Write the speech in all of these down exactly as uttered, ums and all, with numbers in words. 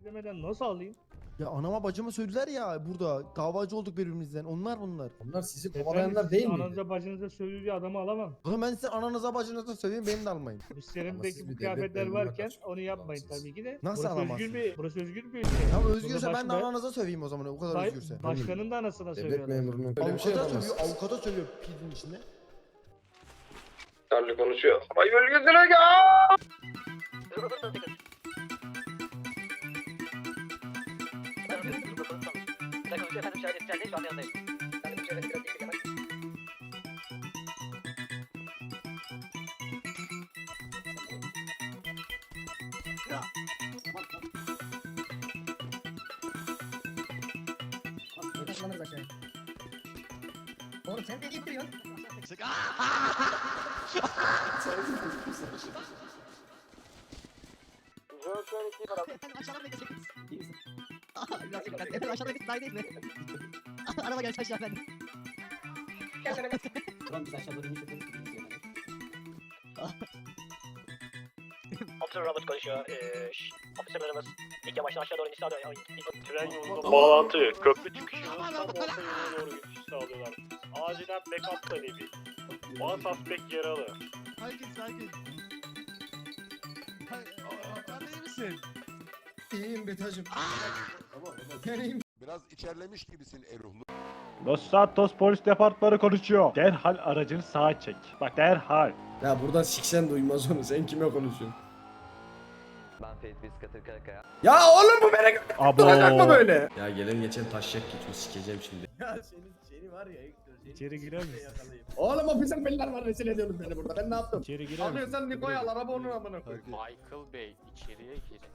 Demeden nasıl alayım? Ya anama bacıma söylediler ya burada davacı olduk birbirimizden. Onlar bunlar. Onlar sizi Efendim, kovalayanlar siz değil miydi? Ananıza bacınıza söylüyor adamı alamam. Oğlum ben size ananıza bacınıza söyleyeyim beni de almayın. Bu Ama siz serimdeki bir bu devlet kıyafetler memuruna varken kaçın. onu yapmayın Ulan siz. tabii ki de. Nasıl burası alamazsın? özgür bir, burası özgür bir ülke. Tamam Burada özgürse ben de başka- ananıza söveyim o zaman o kadar Say- özgürse. Başkanın da anasına Devlet söylüyorlar. memurunun böyle bir şey Avukata yapamaz. sövüyor, avukata sövüyor pidin içinde. Charlie konuşuyor. Ay bölgesine gel. Oğlum sen de gittiriyorsun. Efendim aşağıdan bekleseniz. Biraz dikkat. Efendim aşağıda bir değil mi? Araba gelsin aşağı efendim. Ulan biz aşağı doğru inmiş ötesi Officer Robert konuşuyor. Ee, şş, officerlarımız ilk yamaçtan aşağı doğru iniş sağlıyor. Tren yolunda bağlantı, köprü çıkışının tam orta yöne doğru geçiş sağlıyorlar. Acilen backup talebi. One suspect yaralı. Sakin sakin. Sen iyi misin? İyiyim Betacım. Ben iyiyim. Biraz içerlemiş gibisin Eruhlu. Los Santos Polis Departmanı konuşuyor. Derhal aracını sağa çek. Bak derhal. Ya buradan siksen duymaz onu. Sen kime konuşuyorsun? Ben Ferit Biskatır Karakaya. Ya oğlum bu beni Abo. duracak mı böyle? Ya gelen geçen taşacak geçmiş sikeceğim şimdi. Ya senin seni var ya İçeri girer misin? Oğlum ofisel beyler var rezil ediyorsunuz beni burada. Ben ne yaptım? İçeri girer misin? Alıyorsan Niko'yu al araba onun amına koy. Michael Bey içeriye girin.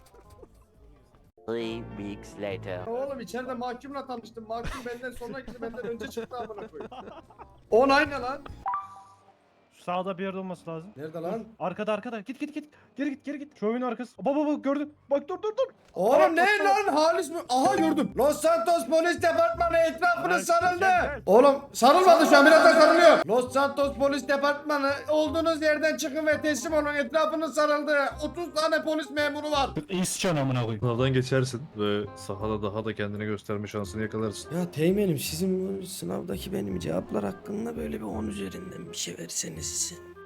Three weeks later. Oğlum içeride mahkumla tanıştım. Mahkum benden sonra gitti benden önce çıktı amına koy. On aynı lan. Sağda bir yerde olması lazım. Nerede lan? Arkada arkada. Git git git. Geri git geri git. Şu oyun arkası. Baba baba gördüm. Bak dur dur dur. Oğlum ne lan Halis mi? Aha gördüm. Los Santos Polis Departmanı etrafını Lan, sarıldı. gel, gel. Oğlum sarılmadı şu an birazdan sarılıyor. Los Santos Polis Departmanı olduğunuz yerden çıkın ve teslim olun etrafını sarıldı. otuz tane polis memuru var. İscan amına koyayım. Sınavdan geçersin ve sahada daha da kendini gösterme şansını yakalarsın. Ya Teğmenim sizin bu sınavdaki benim cevaplar hakkında böyle bir on üzerinden bir şey verseniz.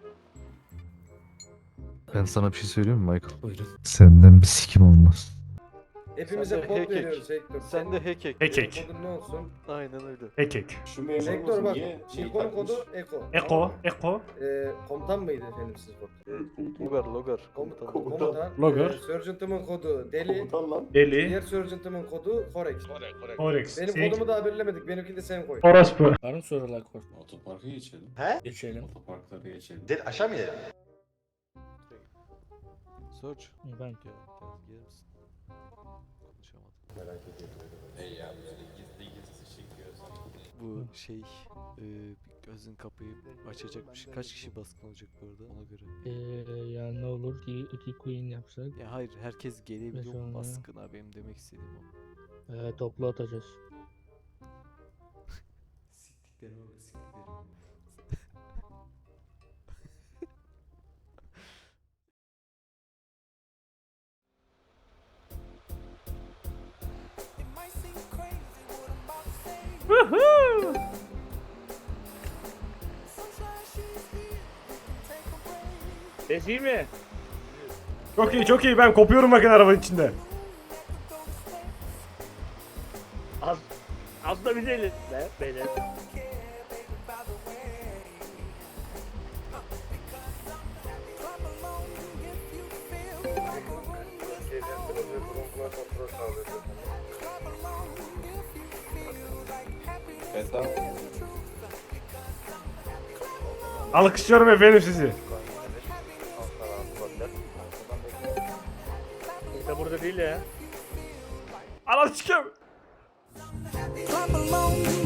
Ben sana bir şey söyleyeyim mi Michael? Buyurun. Senden bir sikim olmaz. Hepimize Sen de kod hack veriyoruz Hector. Sen de hack hack. Hack hack. Kodun ne olsun? Aynen öyle. Ekek. Hector bak. Şirkonun kodu Eko. Eko. Eko. Ee, komutan mıydı efendim siz kod? Logar logar. Komutan. Komutan. Komutan. Logar. Ee, Sergeant'ımın kodu Deli. Deli. Diğer Sergeant'ımın kodu Forex. Oryx. Benim Senin- kodumu daha belirlemedik. Benimkini de sen koy. Orospu. Var mı sorular kor? Otoparka geçelim. He? Geçelim. Otoparklara geçelim. Del aşağı mı inelim? Search. Ben. Gel, gel, gelir misin? Konuşamadım. Merak ediyorum. Bu şey e, gözün kapıyı açacakmış. Kaç kişi baskın olacak bu arada ona göre. Eee ya ne olur ki iki queen yapsak. Ya hayır herkes gelebiliyor Mesela mu ya. baskına benim demek istediğim o. Eee toplu atacağız. Siktiklerime bak siktiklerime. Ses iyi mi? Çok iyi çok iyi ben kopuyorum bakın arabanın içinde. Az, az da bize elin be beyler. Alkışlıyorum efendim sizi. Kimse burada değil ya. Anam sikim. Clap along.